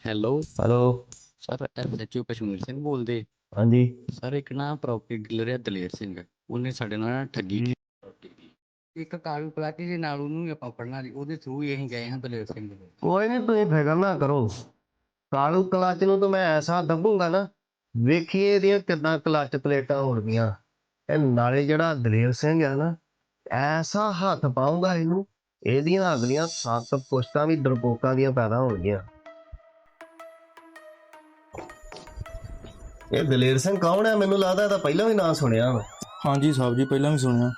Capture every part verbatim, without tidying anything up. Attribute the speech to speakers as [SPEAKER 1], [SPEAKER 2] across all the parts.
[SPEAKER 1] Hello
[SPEAKER 2] hello.
[SPEAKER 1] Sir, S H O Kashmir Singh ਬੋਲਦੇ।
[SPEAKER 2] ਹਾਂਜੀ।
[SPEAKER 1] Sir, ਇੱਕ ਨਾ ਪ੍ਰੋਪਰਟੀ ਡੀਲਰ ਹੈ ਦਲੇਰ ਸਿੰਘ, ਉਹਨੇ ਸਾਡੇ ਨਾਲ ਨਾ ਠੱਗੀ ਕੀਤੀ। ਇੱਕ ਕਾਗਜ਼ ਪਲਾਟੀ ਦੇ ਨਾਲ ਉਹਨੂੰ ਵੀ ਆਪਾਂ ਫੜਨਾ ਸੀ, ਉਹਦੇ ਥਰੂ ਹੀ ਅਸੀਂ ਗਏ ਹਾਂ ਦਲੇਰ ਸਿੰਘ ਦੇ।
[SPEAKER 2] ਕੋਈ ਨਹੀਂ, ਤੁਸੀਂ ਫਿਕਰ ਨਾ ਕਰੋ। ਕਾਲੂ ਕਲੱਚ ਨੂੰ ਤਾਂ ਮੈਂ ਐਸਾ ਦੱਬੂਗਾ ਨਾ, ਵੇਖੀਏ ਇਹਦੀਆਂ ਕਿੱਦਾਂ ਕਲੱਚ ਪਲੇਟਾਂ ਹੋਣਗੀਆਂ। ਇਹ ਨਾਲੇ ਜਿਹੜਾ ਦਲੇਰ ਸਿੰਘ ਹੈ ਨਾ, ਐਸਾ ਹੱਥ ਪਾਊਗਾ ਇਹਨੂੰ, ਇਹਦੀਆਂ ਅਗਲੀਆਂ ਸੱਤ ਪੁਸ਼ਤਾਂ ਵੀ ਡਰਪੋਕਾਂ ਦੀਆਂ ਪੈਦਾ ਹੋਣਗੀਆਂ। ਇਹ ਦਲੇਰ ਸਿੰਘ ਕੌਣ ਹੈ? ਮੈਨੂੰ ਲੱਗਦਾ ਇਹਦਾ ਪਹਿਲਾਂ ਵੀ ਨਾਂ ਸੁਣਿਆ ਵਾ।
[SPEAKER 3] ਹਾਂਜੀ ਸਾਹਿਬ ਜੀ, ਪਹਿਲਾਂ ਵੀ ਸੁਣਿਆ।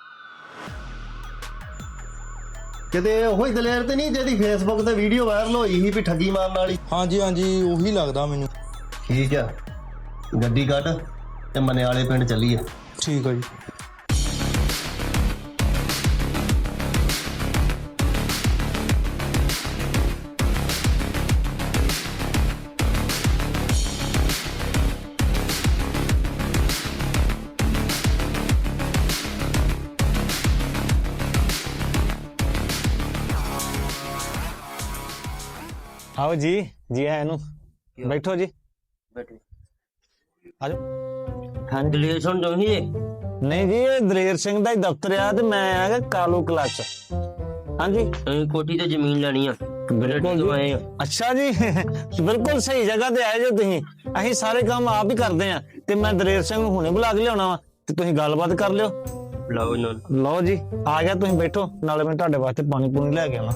[SPEAKER 2] ਕਿਤੇ ਉਹੀ ਦਲੇਰ ਤੇ ਨਹੀਂ ਜਿਹਦੀ ਫੇਸਬੁੱਕ ਤੇ ਵੀਡੀਓ ਵਾਇਰਲ ਹੋਈ ਸੀ ਵੀ ਠੱਗੀ ਮਾਰਨ ਵਾਲੀ?
[SPEAKER 3] ਹਾਂਜੀ ਹਾਂਜੀ, ਉਹੀ ਲੱਗਦਾ ਮੈਨੂੰ।
[SPEAKER 2] ਠੀਕ ਆ, ਗੱਡੀ ਕੱਢ ਤੇ ਮਨਿਆਲੇ ਪਿੰਡ ਚੱਲੀਏ।
[SPEAKER 3] ਠੀਕ ਆ ਜੀ।
[SPEAKER 4] आओ जी जी है नु बैठो जी
[SPEAKER 2] ਬੈਠੋ।
[SPEAKER 4] आ जाओ।
[SPEAKER 2] ਹਾਂ ਦਲੇਰ ਸਿੰਘ ਜੋ ਹੀ
[SPEAKER 4] नहीं जी, ये दलेर सिंह ਦਾ ਹੀ ਦਫ਼ਤਰ ਆ ਤੇ ਮੈਂ ਆ ਗਿਆ ਕਾਲੂ ਕਲੱਚ। ਹਾਂਜੀ,
[SPEAKER 2] ਕੋਠੀ ਤੇ ਜ਼ਮੀਨ ਲੈਣੀ ਆ।
[SPEAKER 4] ਬਿਲਕੁਲ ਜੀ। ਅੱਛਾ ਜੀ, ਬਿਲਕੁਲ ਸਹੀ ਜਗ੍ਹਾ ਤੇ ਆਏ ਜੋ ਤੁਸੀਂ। ਅਸੀਂ ਸਾਰੇ ਕੰਮ ਆਪ ਹੀ ਕਰਦੇ ਆ ਤੇ ਮੈਂ ਦਲੇਰ ਸਿੰਘ ਨੂੰ ਹੁਣੇ ਬੁਲਾ ਕੇ ਲਿਆਉਣਾ ਵਾ ਤੇ ਤੁਸੀਂ ਗੱਲਬਾਤ ਕਰ ਲਿਓ।
[SPEAKER 2] ਲਓ ਨਾ,
[SPEAKER 4] ਲਓ ਜੀ, ਆ ਗਿਆ। ਤੁਸੀਂ ਬੈਠੋ, ਨਾਲੇ ਮੈਂ ਤੁਹਾਡੇ ਵਾਸਤੇ ਪਾਣੀ ਪੂਣੀ ਲੈ ਕੇ ਆਉਣਾ।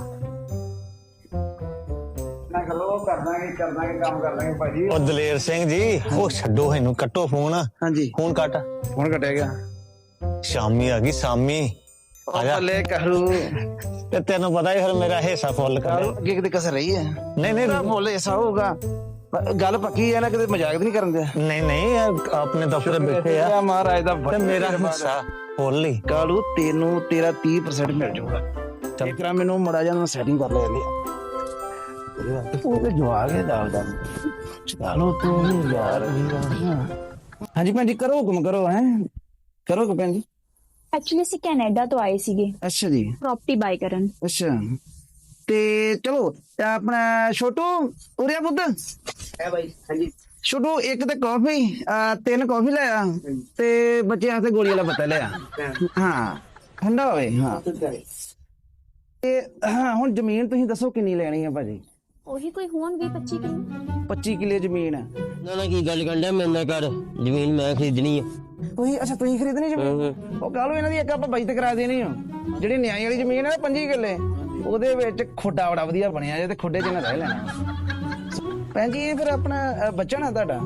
[SPEAKER 4] ਉਹ ਦਲੇਰ ਸਿੰਘ ਜੀ, ਉਹ ਛੱਡੋ ਇਹਨੂੰ, ਕੱਟੋ ਫੋਨ।
[SPEAKER 5] ਹਾਂਜੀ,
[SPEAKER 4] ਫੋਨ ਕੱਟ।
[SPEAKER 5] ਫੋਨ ਕੱਟਿਆ ਗਿਆ।
[SPEAKER 4] ਸ਼ਾਮੀ ਆ ਗਈ, ਸ਼ਾਮੀ ਆ ਜਾ।
[SPEAKER 5] ਲੈ ਕਰੂ
[SPEAKER 4] ਤੇ ਤੈਨੂੰ ਪਤਾ ਹੀ ਫਿਰ ਮੇਰਾ ਹਿੱਸਾ ਫੁੱਲ ਕਰ।
[SPEAKER 5] ਅੱਗੇ ਕਿਤੇ ਕਸਰ ਰਹੀ ਹੈ?
[SPEAKER 4] ਨਹੀਂ ਨਹੀਂ
[SPEAKER 5] ਮੁੱਲ ਐਸਾ ਹੋਊਗਾ। ਪ- ਗੱਲ ਪੱਕੀ ਹੈ ਨਾ, ਕਿਤੇ ਮਜ਼ਾਕ ਤਾਂ ਨਹੀਂ ਕਰਨ ਦਿਆ।
[SPEAKER 4] ਨਹੀਂ ਨਹੀਂ, ਇਹ ਆਪਣੇ ਦਫ਼ਤਰ ਬੈਠੇ ਆ
[SPEAKER 5] ਮਹਾਰਾਜ ਦਾ
[SPEAKER 4] ਤੇ ਮੇਰਾ ਹਿੱਸਾ ਫੁੱਲ ਹੀ।
[SPEAKER 5] ਕਾਲੂ ਤੈਨੂੰ ਤੇਰਾ ਤੀਹ ਪਰਸੈਂਟ ਮਿਲ ਜਾਊਗਾ। ਇੱਕ ਰਾ ਮੈਨੂੰ ਮੜਾ ਜਾ ਮੈਂ ਸੈਟਿੰਗ ਕਰ ਲੈਂਦੀ ਆ। ਉਹ ਤੇ ਜਵਾਗ ਹੈ ਦਾਲ ਦਾ। ਚਲੋ ਤੂੰ ਵੀ ਯਾਰ। ਹਾਂਜੀ ਭੈਣ ਜੀ, ਕਰੋ ਹੁਕਮ ਕਰੋ। ਹੈ ਕਰੋ ਹੁਕਮ ਭੈਣ ਜੀ।
[SPEAKER 6] ਐਕਚੁਅਲੀ ਅਸੀਂ ਕੈਨੇਡਾ ਤੋਂ ਆਏ ਸੀਗੇ
[SPEAKER 5] ਅੱਛਾ ਜੀ,
[SPEAKER 6] ਪ੍ਰੋਪਰਟੀ ਬਾਈ ਕਰਨ।
[SPEAKER 5] ਅੱਛਾ। ਤੇ ਚਲੋ ਤੇ ਆਪਣਾ ਛੋਟੂ ਉਰਿਆ ਪੁੱਤ ਹੈ ਬਾਈ। ਹਾਂਜੀ ਛੋਟੂ, ਇੱਕ ਤੇ ਕਾਫੀ, ਤਿੰਨ ਕਾਫੀ ਲੈ ਆ ਤੇ ਬੱਚੇ ਵਾਸਤੇ ਗੋਲੀ ਵਾਲਾ ਪੱਤਾ ਲਿਆ। ਹਾਂ, ਠੰਡਾ ਹੋਵੇ। ਹਾਂ ਤੇ ਹਾਂ, ਹੁਣ ਜ਼ਮੀਨ ਤੁਸੀਂ ਦੱਸੋ ਕਿੰਨੀ ਲੈਣੀ ਹੈ ਭਾਜੀ?
[SPEAKER 6] ਉਹੀ ਕੋਈ ਹੋਣ ਵੀਹ ਪੱਚੀ ਕਿਲੋ।
[SPEAKER 5] ਪੱਚੀ ਕਿੱਲੇ ਜ਼ਮੀਨ ਹੈ।
[SPEAKER 2] ਨਾ ਨਾ, ਕੀ ਗੱਲ ਕਰਦਾ? ਮੈਂ ਨਾ ਕਰ, ਜ਼ਮੀਨ ਮੈਂ ਖਰੀਦਣੀ ਆ।
[SPEAKER 5] ਤੁਸੀਂ ਅੱਛਾ, ਤੁਸੀਂ ਖਰੀਦਣੀ ਜ਼ਮੀਨ? ਉਹ ਕਹ ਲਓ ਇਹਨਾਂ ਦੀ ਇੱਕ ਆਪਾਂ ਬਜਟ ਕਰਾ ਦੇਣੀ ਆ। ਜਿਹੜੀ ਨਿਆਈ ਵਾਲੀ ਜ਼ਮੀਨ ਹੈ ਨਾ ਪੰਜੀ ਕਿੱਲੇ, ਉਹਦੇ ਵਿੱਚ ਖੁੱਡਾ ਬੜਾ ਵਧੀਆ ਬਣਿਆ ਜੇ, ਤੇ ਖੁੱਡੇ ਚ ਨਾ ਰਹਿ ਲੈਣਾ। ਭੈਣ ਜੀ, ਇਹ ਫਿਰ ਆਪਣਾ ਬੱਚਾ ਨਾ ਤੁਹਾਡਾ?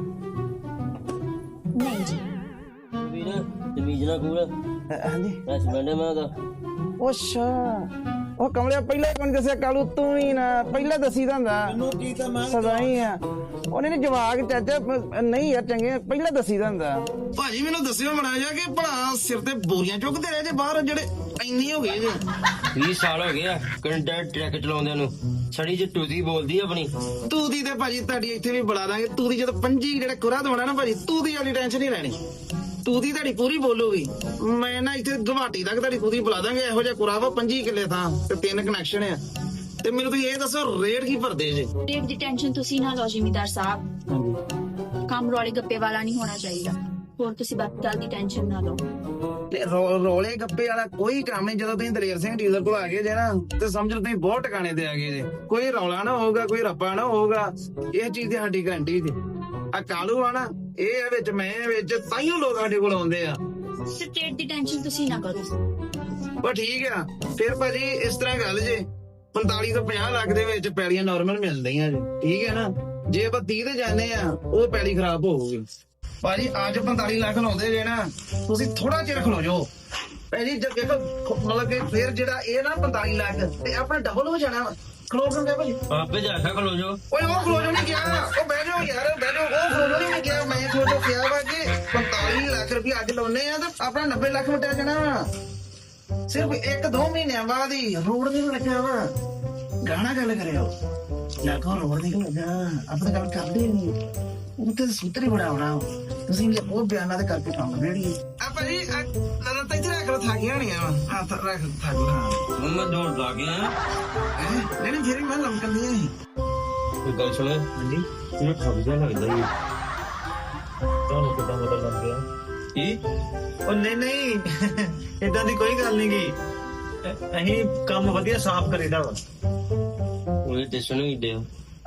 [SPEAKER 6] ਨਹੀਂ ਜੀ।
[SPEAKER 2] ਵੀਰ ਜ਼ਮੀਨ ਨਾ ਕੋਲ
[SPEAKER 5] ਹਾਂਜੀ।
[SPEAKER 2] ਹਸਬੈਂਡ ਮੈਂ ਉਹਦਾ।
[SPEAKER 5] ਅੱਛਾ, ਉਹ ਕਮਲਿਆ ਪਹਿਲਾਂ ਕਿਉਂ ਨੀ ਦੱਸਿਆ? ਕਾਲੂ ਤੂੰ ਵੀ ਨਾ ਪਹਿਲਾਂ ਦੱਸੀ ਦਾ ਹੁੰਦਾ। ਸਦਾ ਹੀ ਆ ਉਹਨੇ ਨੀ ਜਵਾਕ ਚਾਚਾ। ਨਹੀਂ ਯਾਰ, ਚੰਗੇ ਪਹਿਲਾਂ ਦੱਸੀ ਦਾ ਹੁੰਦਾ। ਭਾਜੀ ਮੈਨੂੰ ਦੱਸਿਓ ਮੜਾ ਜਾ ਕਿ ਭਲਾ ਸਿਰ ਤੇ ਬੋਰੀਆਂ ਚੁੱਕਦੇ ਰਹੇ ਜੇ ਬਾਹਰ, ਜਿਹੜੇ ਇੰਨੀ ਹੋ ਗਏ ਜੇ।
[SPEAKER 2] ਵੀਹ ਸਾਲ ਹੋ ਗਏ ਆ ਕੈਨੇਡਾ ਟਰੱਕ ਚਲਾਉਂਦਿਆਂ ਨੂੰ। ਛੜੀ ਚ ਟੂਦੀ ਬੋਲਦੀ ਆਪਣੀ।
[SPEAKER 5] ਤੂੰ ਦੀ ਤੇ ਭਾਜੀ ਤੁਹਾਡੀ ਇੱਥੇ ਵੀ ਬੁਲਾ ਦਾਂਗੇ। ਤੂੰ ਦੀ ਜਦੋਂ ਪੰਜੀ ਜਿਹੜਾ ਕੁਰਾ ਦਵਾਣਾ ਨਾ ਭਾਜੀ, ਤੂੰ ਦੀ ਵਾਲੀ ਟੈਨਸ਼ਨ ਨਹੀਂ ਲੈਣੀ। ਤੂੰ ਦੀ ਤੁਹਾਡੀ ਪੂਰੀ ਬੋਲੂਗੀ। ਮੈਂ ਨਾ ਇੱਥੇ ਗੁਵਾਹਾਟੀ ਤੱਕ ਤੁਹਾਡੀ ਪੂਰੀ ਬੁਲਾ ਦਾਂਗੇ। ਇਹੋ ਜਿਹਾ ਕੁਰਾ ਵਾ ਪੰਜੀ ਕਿੱਲੇ ਥਾਂ ਤੇ ਤਿੰਨ ਕਨੈਕਸ਼ਨ ਆ। ਤੇ ਮੈਨੂੰ ਤੁਸੀਂ ਇਹ ਦੱਸੋ, ਰੇਟ ਕੀ ਭਰਦੇ ਜੇ?
[SPEAKER 6] ਰੇਟ ਦੀ ਟੈਨਸ਼ਨ ਤੁਸੀਂ ਨਾ ਲਓ ਜ਼ਿਮੀਦਾਰ ਸਾਹਿਬ। ਕੰਮ ਰੌਲੇ ਗੱਪੇ ਵਾਲਾ ਨਹੀਂ ਹੋਣਾ ਚਾਹੀਦਾ। ਹੋਰ ਤੁਸੀਂ ਬਾਕੀ ਗੱਲ ਦੀ ਟੈਨਸ਼ਨ ਨਾ ਲਓ।
[SPEAKER 5] ਤੇ ਰੋ- ਰੌਲੇ ਗੱਪੇ ਵਾਲਾ ਕੋਈ ਕੰਮ ਨਹੀਂ। ਜਦੋਂ ਤੁਸੀਂ ਦਲੇਰ ਸਿੰਘ ਡੀਲਰ ਕੋਲ ਆ ਗਏ ਜੇ ਨਾ, ਤੇ ਸਮਝ ਲਓ ਤੁਸੀਂ ਬਹੁਤ ਟਿਕਾਣੇ ਤੇ ਆ ਗਏ ਜੇ। ਕੋਈ ਰੌਲਾ ਨਾ ਹੋਊਗਾ, ਕੋਈ ਰੱਪਾ ਨਾ ਹੋਊਗਾ। ਇਹ ਚੀਜ਼ ਦੀ ਸਾਡੀ ਗਾਰੰਟੀ ਜੀ। ਆ ਕਾਲੂ ਆ ਨਾ, ਇਹ ਆ ਵਿੱਚ, ਮੈਂ ਵਿੱਚ, ਤਾਈਓ ਲੋਕ ਸਾਡੇ ਕੋਲ ਆਉਂਦੇ ਆ।
[SPEAKER 6] ਤੇ ਰੇਟ ਦੀ ਟੈਨਸ਼ਨ ਤੁਸੀਂ ਨਾ ਕਰੋ।
[SPEAKER 5] ਬਸ ਠੀਕ ਆ ਫਿਰ ਭਾਜੀ। ਇਸ ਤਰ੍ਹਾਂ ਗੱਲ ਜੇ, ਪੰਤਾਲੀ ਤੋਂ ਪੰਜਾਹ ਲੱਖ ਦੇ ਵਿੱਚ ਪੈਲੀਆਂ ਨਾਰਮਲ ਮਿਲਦੀਆਂ ਜੀ। ਠੀਕ ਹੈ ਨਾ। ਜੇ ਆਪਾਂ ਤੀਹ ਤੇ ਜਾਂਦੇ ਆ, ਉਹ ਪੈਲੀ ਖਰਾਬ ਹੋਊਗੀ। ਭਾਜੀ ਅੱਜ ਪੰਤਾਲੀ ਲੱਖ ਲਾਉਂਦੇ ਜੇ ਨਾ, ਤੁਸੀਂ ਥੋੜਾ ਚਿਰ ਖਲੋ ਜਾਓ ਭਾਜੀ। ਜਦ ਦੇਖੋ ਮਤਲਬ ਕਿ ਫਿਰ ਜਿਹੜਾ ਇਹ ਨਾ ਪੰਤਾਲੀ ਲੱਖ ਤੇ ਆਪਣਾ ਡਬਲ ਹੋ ਜਾਣਾ। ਖਲੋ ਕਿਉਂ ਭਾਜੀ?
[SPEAKER 2] ਆਪੇ ਜਾ ਕੇ ਖਲੋ ਜਾਓ।
[SPEAKER 5] ਓਏ ਉਹ ਖਲੋ ਜੋ ਨਹੀਂ ਗਿਆ। ਉਹ ਬਹਿ ਜਾਓ ਯਾਰ, ਬਹਿ ਜਾਓ। ਉਹ ਖਲੋ ਜੋ ਨਹੀਂ ਗਿਆ। ਮੈਂ ਖਲੋ ਜੋ ਕਿਹਾ ਵਾ ਕਿ ਪੰਤਾਲੀ ਲੱਖ ਰੁਪਏ ਅੱਜ ਲਾਉਨੇ ਆ ਤੇ ਆਪਣਾ ਨੱਬੇ ਲੱਖ ਮਿਟਿਆ ਜਾਣਾ ਵਾ। ਸਿਰਫ ਇੱਕ ਦੋ ਮਹੀਨਿਆਂ ਬਾਅਦ ਹੀ। ਰੋਡ ਨਹੀਂ ਲੱਗਿਆ ਵਾ। ਗਾਣਾ ਗੱਲ ਕਰਿਓ ਨਾ ਕੋ ਰੋਡ ਨਹੀਂ ਲੱਗਾ। ਆਪਣੇ ਗੱਲ ਕਰਦੇ ਨਹੀਂ। ਉਹ ਤੇ ਸੂਤਰੀ ਬਣਾਉਣਾ। ਤੁਸੀਂ ਵੀ ਉਹ ਬਿਆਨਾਂ ਦੇ ਕਰਕੇ ਕੰਮ ਰੇੜੀ ਆ ਭਾਜੀ। ਲੜਾ ਤਾਂ ਇੱਥੇ ਰੱਖ ਲੋ, ਥਾਕੀਆਂ ਨਹੀਂ ਆ। ਹੱਥ ਰੱਖ, ਥੱਕ ਲਾ।
[SPEAKER 2] ਮੰਮਾ ਦੌੜ ਲਾ ਗਿਆ।
[SPEAKER 5] ਨਹੀਂ ਨਹੀਂ, ਫਿਰ ਮੈਂ ਲੰਕਦੀਆਂ ਸੀ।
[SPEAKER 4] ਗੱਲ ਸੁਣ ਹਾਂਜੀ ਇਹ ਠੱਗ ਜਿਹਾ ਲੱਗਦਾ ਹੀ ਤੁਹਾਨੂੰ ਕਿੱਦਾਂ ਪਤਾ ਲੱਗ ਗਿਆ ਕੀ ਉਹ ਨਹੀਂ ਨਹੀਂ ਇਦਾਂ ਦੀ ਕੋਈ ਗੱਲ ਨਹੀਂ ਗੀ ਅ- ਅਸੀਂ ਕੰਮ ਵਧੀਆ ਸਾਫ਼ ਕਰੀਦਾ ਵਾ
[SPEAKER 7] ਉਹਨੇ ਟੈਸ਼ਨ ਹੀ ਡਿਆ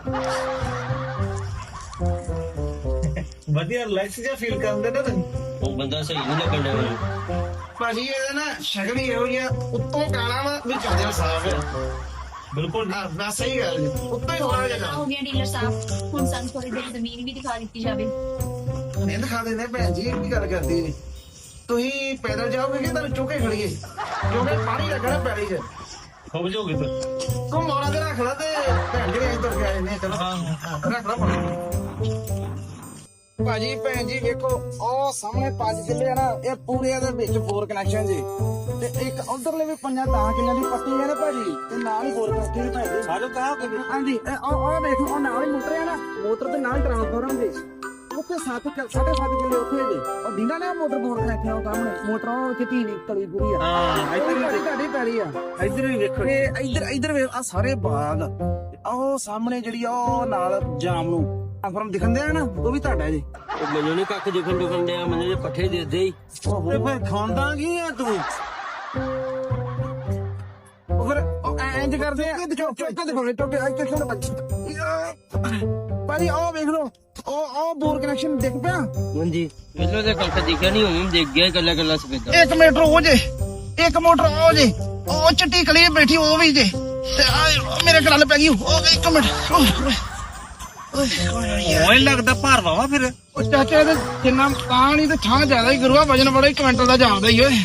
[SPEAKER 4] ਵਧੀਆ ਰਿਲੈਕਸ ਜਿਹਾ ਫੀਲ ਕਰਦੇ ਨਾ ਤੁਸੀਂ
[SPEAKER 7] ਉਹ ਬੰਦਾ ਸਹੀ ਨਹੀਂ ਲੱਗਣ ਡਿਆ ਮੈਨੂੰ
[SPEAKER 5] ਭਾਜੀ ਇਹਦਾ ਨਾ ਸ਼ਕਲ ਹੀ ਇਹੋ ਜਿਹਾ ਉੱਤੋਂ ਕਾਲਾ ਵਾ ਵੀ ਚੱਲਿਆ ਸਾਫ ਹੈ
[SPEAKER 4] ਬਿਲਕੁਲ
[SPEAKER 5] ਹਾਂ ਬਸ ਸਹੀ ਗੱਲ ਜੀ ਉੱਤੋਂ ਹੀ ਥੋੜਾ ਜਿਹਾ
[SPEAKER 6] ਹੋ ਗਿਆ ਡੀਲਰ ਸਾਹਿਬ ਹੁਣ ਸਾਨੂੰ ਥੋੜੀ ਦੇਰ ਜ਼ਮੀਨ ਵੀ ਦਿਖਾ ਦਿੱਤੀ ਜਾਵੇ
[SPEAKER 5] ਨਹੀਂ ਦਿਖਾ ਦਿੰਦੇ ਭੈਣ ਜੀ ਇਹ ਕੀ ਗੱਲ ਕਰਦੀ ਨੇ ਤੁਸੀਂ ਪੈਦਲ ਜਾਓਗੇ ਕਿ ਤੁਹਾਨੂੰ ਚੁੱਕੇ ਖੜੀਏ ਕਿਉਂਕਿ ਪਾਣੀ ਲੱਗਣਾ ਪੈਲੀ 'ਚ
[SPEAKER 4] ਹੋ ਜਾਓਗੇ ਫਿਰ
[SPEAKER 5] ਤੂੰ ਮੋਰਾ ਤੇ ਰੱਖ ਲਾ ਤੇ ਭੈਣ ਜੀ ਅਸੀਂ ਤੁਰ ਕੇ ਆਏ ਨੇ ਚਲੋ ਰੱਖ ਲਾ ਪਾਣੀ ਭਾਜੀ ਭੈਣ ਜੀ ਵੇਖੋ ਉਹ ਸਾਹਮਣੇ ਪੰਜ ਕਿੱਲੇ ਆ ਨਾ ਇਹ ਪੂਰੇ ਦੇ ਵਿੱਚ ਫੋਰ ਕਨੈਕਸ਼ਨ ਜੀ ਤੇ ਇੱਕ ਉਧਰਲੇ ਵੀ ਪੰਜਾਂ ਤਾਂ ਕਿੱਲਿਆਂ ਦੀ ਪੱਟੀ ਹੈ ਨਾ ਭਾਜੀ ਤੇ ਨਾਲ ਹੀ ਫੋਰ ਕਨੈਕਸ਼ਨ ਭੈਣ ਜੀ
[SPEAKER 4] ਆਜੋ ਕਹਾ
[SPEAKER 5] ਹਾਂਜੀ ਇਹ ਉਹ ਉਹ ਵੇਖੋ ਉਹ ਨਾਲ ਹੀ ਮੋਟਰ ਹੈ ਨਾ ਮੋਟਰ ਤੇ ਨਾਲ ਹੀ ਟ੍ਰਾਂਸਫਾਰਮਰ ਦੇ ਉੱਥੇ ਸੱਤ ਕਿ- ਸਾਢੇ ਸੱਤ ਕਿੱਲੇ ਉੱਥੇ ਜੀ ਉਹ ਦਿੰਦਾ ਨਾ ਮੋਟਰ ਬੋਰ ਕਨੈਕਸ਼ਨ ਉਹ ਸਾਹਮਣੇ ਮੋਟਰ ਉਹ ਚਿੱਟੀ ਨਹੀਂ ਤਲੀ ਪੂਰੀ ਆ
[SPEAKER 4] ਹਾਂ
[SPEAKER 5] ਇੱਧਰ ਹੀ ਤੁਹਾਡੀ ਪੈਰੀ ਆ
[SPEAKER 4] ਇੱਧਰ ਵੀ ਵੇਖੋ
[SPEAKER 5] ਤੇ ਇੱਧਰ ਇੱਧਰ ਵੇ ਆ ਸਾਰੇ ਬਾਗ ਉਹ ਸਾਹਮਣੇ ਜਿਹੜੀ ਆ ਉਹ ਨਾਲ ਜਾਮ ਨੂੰ ਟ੍ਰਾਂਸਫਾਰਮਰ ਦਿਖਣ ਦਿਆ ਨਾ ਉਹ ਵੀ ਤੁਹਾਡਾ ਜੀ
[SPEAKER 7] ਉਹ ਮੈਨੂੰ ਨੀ ਕੱਖ ਦਿਖਣ ਦੁਖਣ ਡਿਆ ਮੈਨੂੰ ਜੇ ਪੱਠੇ ਦੇ ਦੇ ਹੀ
[SPEAKER 4] ਤੇ ਫਿਰ ਖਾਂਦਾ ਕੀ ਆ ਤੂੰ
[SPEAKER 5] ਉਹ ਫਿਰ ਉਹ ਐਂ ਇੰਜ ਕਰਦੇ ਆ ਚੁੱਕ ਚੁੱਕ ਦੇ ਫੋਨੇ ਟੋਕੇ ਇੱਥੇ ਕਿਉਂ ਬੱਚੀ ਭਾਜੀ ਉਹ ਵੇਖ ਲਓ ਉਹ ਉਹ ਬੋਰ ਕਨੈਕਸ਼ਨ ਦਿਖ ਪਿਆ
[SPEAKER 7] ਹਾਂਜੀ ਮੈਨੂੰ ਤੇ ਕੱਖ ਦਿਖਿਆ ਨਹੀਂ ਹੁਣ ਦੇਖ ਗਿਆ ਕੱਲਾ ਕੱਲਾ ਸਫੇਦਾ
[SPEAKER 5] ਇੱਕ ਮੀਟਰ ਉਹ ਜੇ ਇੱਕ ਮੋਟਰ ਉਹ ਜੇ ਉਹ ਚਿੱਟੀ ਕਲੀ ਬੈਠੀ ਉਹ ਵੀ ਜੇ ਤੇ ਆ ਮੇਰੇ ਗੱਲ ਪੈ ਗਈ ਉਹ ਇੱਕ ਮਿੰਟ
[SPEAKER 4] ਓਏ ਲੱਗਦਾ ਭਾਰ ਵਾਵਾ ਫਿਰ
[SPEAKER 5] ਉਹ ਚਾਚਾ ਇਹਦੇ ਜਿੰਨਾ ਤਾਂ ਨਹੀਂ ਤੇ ਥਾਂ ਜ਼ਿਆਦਾ ਹੀ ਗੁਰੂਆ ਵਜਨ ਬੜਾ ਹੀ ਕੁਇੰਟਲ ਦਾ ਜਾਂਦਾ ਹੀ ਓਏ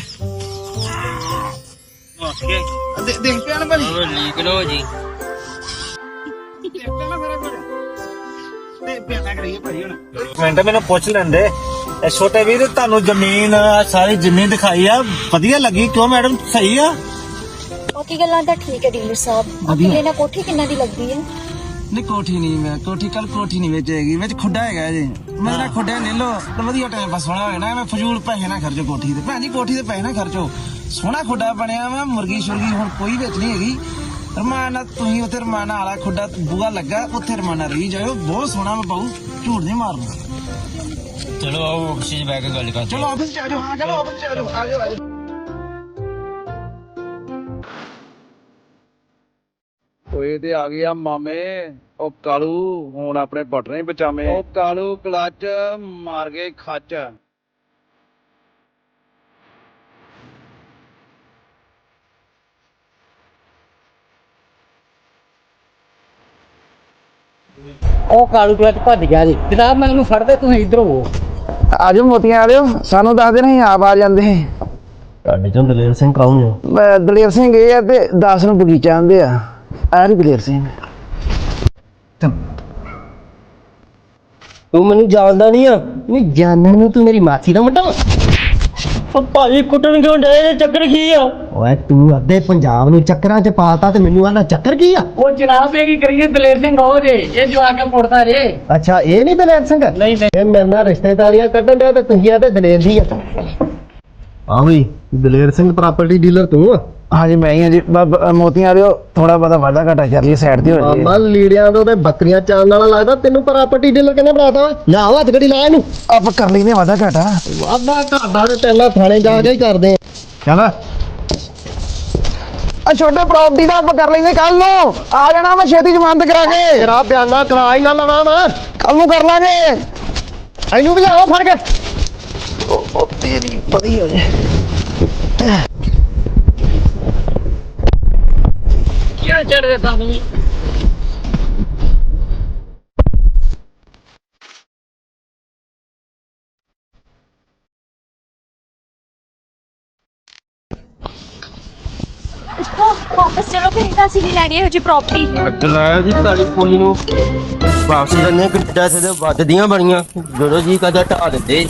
[SPEAKER 4] ਓਕੇ
[SPEAKER 5] ਦੇ- ਦੇਖ ਪਿਆ ਨਾ ਭਾਜੀ
[SPEAKER 7] ਉਹ ਲੀਕ ਲੋ ਜੀ
[SPEAKER 5] ਦੇਖ ਪਿਆ ਨਾ ਮੇਰਾ ਭਾਜੀ ਤੇ ਪਿਆਣਾ ਕਰੀਏ ਭਾਜੀ ਹੁਣ
[SPEAKER 4] ਮਿੰਟ ਮੈਨੂੰ ਪੁੱਛ ਲੈਂਦੇ ਇਹ ਛੋਟੇ ਵੀਰ ਤੁਹਾਨੂੰ ਜ਼ਮੀਨ ਸਾਰੀ ਜ਼ਮੀਨ ਦਿਖਾਈ ਆ ਵਧੀਆ ਲੱਗੀ ਕਿਉਂ ਮੈਡਮ ਸਹੀ ਆ
[SPEAKER 6] ਬਾਕੀ ਗੱਲਾਂ ਤਾਂ ਠੀਕ ਹੈ ਡੀਲਰ ਸਾਹਿਬ ਅੱਗੇ ਨਾ ਕੋਠੀ ਕਿੰਨਾ ਦੀ ਲੱਗਦੀ ਹੈ
[SPEAKER 5] ਨਹੀਂ ਕੋਠੀ ਨਹੀਂ ਮੈਂ ਕੋਠੀ ਕੱਲ ਕੋਠੀ ਨਹੀਂ ਵਿੱਚ ਹੈਗੀ ਵਿੱਚ ਖੁੱਡਾ ਹੈਗਾ ਜੀ ਮੇਰਾ ਖੁੱਡਾ ਲੈ ਲਓ ਤਾਂ ਵਧੀਆ ਟਾਈਮ ਪਾਸ ਹੋਣਾ ਹੋਇਆ ਨਾ ਮੈਂ ਫਜ਼ੂਲ ਪੈਸੇ ਨਾ ਖਰਚੋ ਕੋਠੀ ਤੇ ਭੈਣ ਜੀ ਕੋਠੀ ਤੇ ਪੈਸੇ ਨਾ ਖਰਚੋ ਸੋਹਣਾ ਖੁੱਡਾ ਬਣਿਆ ਵਾ ਮੁਰਗੀ ਸ਼ੁਰਗੀ ਹੁਣ ਕੋਈ ਵਿੱਚ ਨਹੀਂ ਹੈਗੀ ਰਮਾਨਾ ਤੁਸੀਂ ਉੱਥੇ ਰਮਾਨਾ ਵਾਲਾ ਖੁੱਡਾ ਬੂਆ ਲੱਗਾ ਉੱਥੇ ਰਮਾਨਾ ਰਹੀ ਜਾਓ ਬਹੁਤ ਸੋਹਣਾ ਵਾ ਬਾਊ ਝੂਠ ਨਹੀਂ ਮਾਰਨਾ
[SPEAKER 7] ਚਲੋ ਆਓ ਆਫਿਸ 'ਚ ਬੈ ਕੇ ਗੱਲ ਕਰਦੇ
[SPEAKER 5] ਚਲੋ ਆਫਿਸ ਚ ਆ ਜਾਓ ਹਾਂ ਚਲੋ ਆਫਿਸ ਚ ਆ ਜਾਓ ਆ ਜਾਓ ਆ ਜਾਓ
[SPEAKER 8] ਓਏ ਤੇ ਆ ਗਿਆ ਮਾਮੇ ਉਹ ਕਾਲੂ ਹੁਣ ਆਪਣੇ ਬਟਨੇ ਹੀ ਬਚਾਵੇਂ ਉਹ ਕਾਲੂ ਕਲੱਚ ਮਾਰ ਗਏ ਖੱਚ
[SPEAKER 1] ਉਹ ਕਾਲੂ ਕਲਚ ਭੱਜ ਗਿਆ ਜੀ ਜਨਾਬ ਮੈਂ ਉਹਨੂੰ ਫੜਦੇ ਤੁਸੀਂ ਇੱਧਰ ਹੋ
[SPEAKER 5] ਆਜੋ ਮੋਤੀਆਂ ਵਾਲਿਓ ਸਾਨੂੰ ਦੱਸ ਦੇਣਾ ਅਸੀਂ ਆਪ ਆ ਜਾਂਦੇ
[SPEAKER 2] ਤੁਹਾਡੇ ਚੋਂ ਦਲੇਰ ਸਿੰਘ ਕੌਣ ਆ
[SPEAKER 5] ਮੈਂ ਦਲੇਰ ਸਿੰਘ ਇਹ ਆ ਤੇ ਦਸ ਨੂੰ ਬਗੀਚਾ ਆਂਦੇ ਆ ਆ ਰੀ ਦਲੇਰ ਸਿੰਘ
[SPEAKER 2] ਤੂੰ ਮੈਨੂੰ ਜਾਣਦਾ ਨਹੀਂ ਆ ਨਹੀਂ ਜਾਣਨ ਨੂੰ ਤੂੰ ਮੇਰੀ ਮਾਸੀ ਦਾ ਮੁੰਡਾ ਵਾ
[SPEAKER 7] ਉਹ ਭਾਜੀ ਕੁੱਟਣ ਕਿਉਂ ਡੇ ਚੱਕਰ ਕੀ ਆ
[SPEAKER 2] ਓਏ ਤੂੰ ਅੱਧੇ ਪੰਜਾਬ ਨੂੰ ਚੱਕਰਾਂ 'ਚ ਪਾਤਾ ਤੇ ਮੈਨੂੰ ਆਂਦਾ ਚੱਕਰ ਕੀ ਆ
[SPEAKER 1] ਉਹ ਜਨਾਬ ਇਹ ਕੀ ਕਰੀਏ ਦਲੇਰ ਸਿੰਘ ਹੋ ਜੇ ਇਹ ਜੋ ਆ ਕੇ ਮੁੜਦਾ ਜੇ
[SPEAKER 2] ਅੱਛਾ ਇਹ ਨਹੀਂ ਦਲੇਰ ਸਿੰਘ
[SPEAKER 1] ਨਹੀਂ ਨਹੀਂ
[SPEAKER 2] ਇਹ ਮੇਰੇ ਨਾਲ ਰਿਸ਼ਤੇਦਾਰੀਆਂ ਕੱਢਣ ਡਿਆ ਤੇ ਤੁਸੀਂ ਆ ਤੇ ਦਲੇਰ ਦੀ ਆ ਹਾਂ ਵੀ ਦਲੇਰ ਸਿੰਘ ਪ੍ਰਾਪਰਟੀ ਡੀਲਰ ਤੂੰ ਆ
[SPEAKER 5] ਹਾਂਜੀ ਮੈਂ ਹੀ ਆ ਜੀ ਮੋਤੀਆਂ ਵਾਲਿਓ ਥੋੜਾ ਬਹੁਤਾ ਵਾਧਾ ਘਾਟਾ ਕਰ ਲਈ ਸਾਈਡ ਤੇ ਹੋ ਜੀ
[SPEAKER 2] ਮਾਮਾ ਲੀੜਿਆਂ ਤੋਂ ਤੇ ਬੱਕਰੀਆਂ ਚਾਲਣ ਵਾਲਾ ਲੱਗਦਾ ਤੈਨੂੰ ਪ੍ਰਾਪਰਟੀ ਡੀਲਰ ਕਿਹਨੇ ਬਣਾਤਾ ਵਾ ਨਾ ਹੱਥ ਗੜੀ ਲਾ ਇਹਨੂੰ
[SPEAKER 5] ਆਪਾਂ ਕਰ ਲੈਨੇ ਵਾਧਾ ਘਾਟਾ
[SPEAKER 2] ਵਾਦਾ ਘਾਟਾ ਤੇ ਤੇਲਾ ਥਾਣੇ ਜਾ ਕੇ ਹੀ ਕਰਦੇ ਆ
[SPEAKER 5] ਚੱਲ ਆ ਛੋਟੇ ਪ੍ਰਾਪਰਟੀ ਦਾ ਆਪਾਂ ਕਰ ਲੈਨੇ ਕੱਲ ਨੂੰ ਆ ਜਾਣਾ ਮੈਂ ਛੇਤੀ ਜ਼ਮਾਨਤ ਕਰਾ ਕੇ
[SPEAKER 2] ਤੇਰਾ ਬਿਆਨਾ ਕਰਾ ਹੀ ਨਾ ਲਵਾਂ ਮੈਂ
[SPEAKER 5] ਕੱਲ ਨੂੰ ਕਰ ਲਾਂਗੇ
[SPEAKER 2] ਇਹਨੂੰ ਵੀ ਲਿਆਓ ਫੜ ਕੇ
[SPEAKER 5] ਉਹ ਤੇਰੀ ਪਤੀ ਹੋ ਜੇ
[SPEAKER 1] ਕਿਆ ਚੜਦੇ ਤੁਹਾਨੂੰ
[SPEAKER 6] ਵਾਪਸ ਚਲੋ ਫਿਰ ਇਹਨਾਂ ਸੀ ਨਹੀਂ ਲੈਣੀ ਇਹੋ ਜਿਹੀ ਪ੍ਰਾਪਰਟੀ
[SPEAKER 7] ਲਾਇਆ ਜੀ ਤਾਲੀ ਪੋਲੀ ਨੂੰ ਵਾਪਸ ਕਰਨੇ ਕਿੱਡਾ ਤੇ ਵੱਜਦੀਆਂ ਬੜੀਆਂ ਜਦੋਂ ਜੀ ਕਦਾ ਢਾ ਦਿੰਦੇ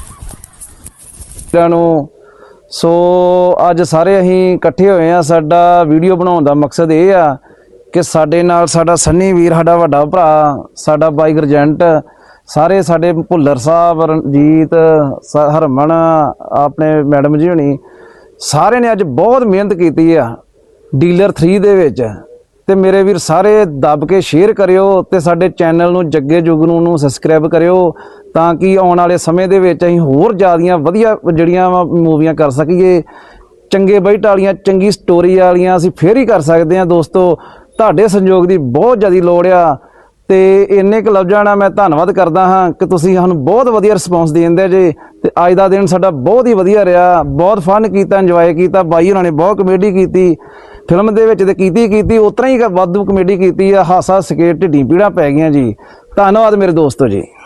[SPEAKER 8] ਨੂੰ ਸੋ ਅੱਜ ਸਾਰੇ ਅਸੀਂ ਇਕੱਠੇ ਹੋਏ ਆ ਸਾਡਾ ਵੀਡੀਓ ਬਣਾਉਣ ਦਾ ਮਕਸਦ ਇਹ ਆ ਕਿ ਸਾਡੇ ਨਾਲ ਸਾਡਾ ਸੰਨੀ ਵੀਰ ਸਾਡਾ ਵੱਡਾ ਭਰਾ ਸਾਡਾ ਬਾਈ ਗਰਜੈਂਟ ਸਾਰੇ ਸਾਡੇ ਭੁੱਲਰ ਸਾਹਿਬ ਰਣਜੀਤ ਸ- ਹਰਮਨ ਆਪਣੇ ਮੈਡਮ ਜੀ ਹੋਣੀ ਸਾਰਿਆਂ ਨੇ ਅੱਜ ਬਹੁਤ ਮਿਹਨਤ ਕੀਤੀ ਆ ਡੀਲਰ ਥ੍ਰੀ ਦੇ ਵਿੱਚ ਤੇ ਮੇਰੇ ਵੀਰ ਸਾਰੇ ਦੱਬ ਕੇ ਸ਼ੇਅਰ ਕਰਿਓ ਤੇ ਸਾਡੇ ਚੈਨਲ ਨੂੰ ਜੱਗੇ ਜੁਗਨੂ ਨੂੰ ਸਬਸਕ੍ਰਾਈਬ ਕਰਿਓ ਤਾਂ ਕਿ ਆਉਣ ਵਾਲੇ ਸਮੇਂ ਦੇ ਵਿੱਚ ਅਸੀਂ ਹੋਰ ਜ਼ਿਆਦੀਆਂ ਵਧੀਆ ਜਿਹੜੀਆਂ ਮੂਵੀਆਂ ਕਰ ਸਕੀਏ, ਚੰਗੇ ਬਜਟ ਵਾਲੀਆਂ, ਚੰਗੀ ਸਟੋਰੀ ਵਾਲੀਆਂ ਅਸੀਂ ਫੇਰ ਹੀ ਕਰ ਸਕਦੇ ਹਾਂ। ਦੋਸਤੋ ਤੁਹਾਡੇ ਸਹਿਯੋਗ ਦੀ ਬਹੁਤ ਜ਼ਿਆਦਾ ਲੋੜ ਆ ਤੇ ਇੰਨੇ ਕੁ ਲਫ਼ਜ਼ਾਂ ਨਾਲ ਮੈਂ ਧੰਨਵਾਦ ਕਰਦਾ ਹਾਂ ਕਿ ਤੁਸੀਂ ਸਾਨੂੰ ਬਹੁਤ ਵਧੀਆ ਰਿਸਪੌਂਸ ਦਿੰਦੇ ਜੇ। ਤੇ ਅੱਜ ਦਾ ਦਿਨ ਸਾਡਾ ਬਹੁਤ ਹੀ ਵਧੀਆ ਰਿਹਾ, ਬਹੁਤ ਫਨ ਕੀਤਾ, ਇੰਜੋਏ ਕੀਤਾ। ਬਾਈ ਉਹਨਾਂ ਨੇ ਬਹੁਤ ਕਮੇਡੀ ਕੀਤੀ ਫਿਲਮ ਦੇ ਵਿੱਚ ਤੇ ਕੀਤੀ ਕੀਤੀ ਉਤਰਾ ਹੀ ਵਾਧੂ ਕਮੇਡੀ ਕੀਤੀ ਆ। ਹਾਸਾ ਸਕੇ ਢਿੱਡੀ ਪੀੜਾਂ ਪੈ ਗਈਆਂ ਜੀ। ਧੰਨਵਾਦ ਮੇਰੇ ਦੋਸਤੋ ਜੀ।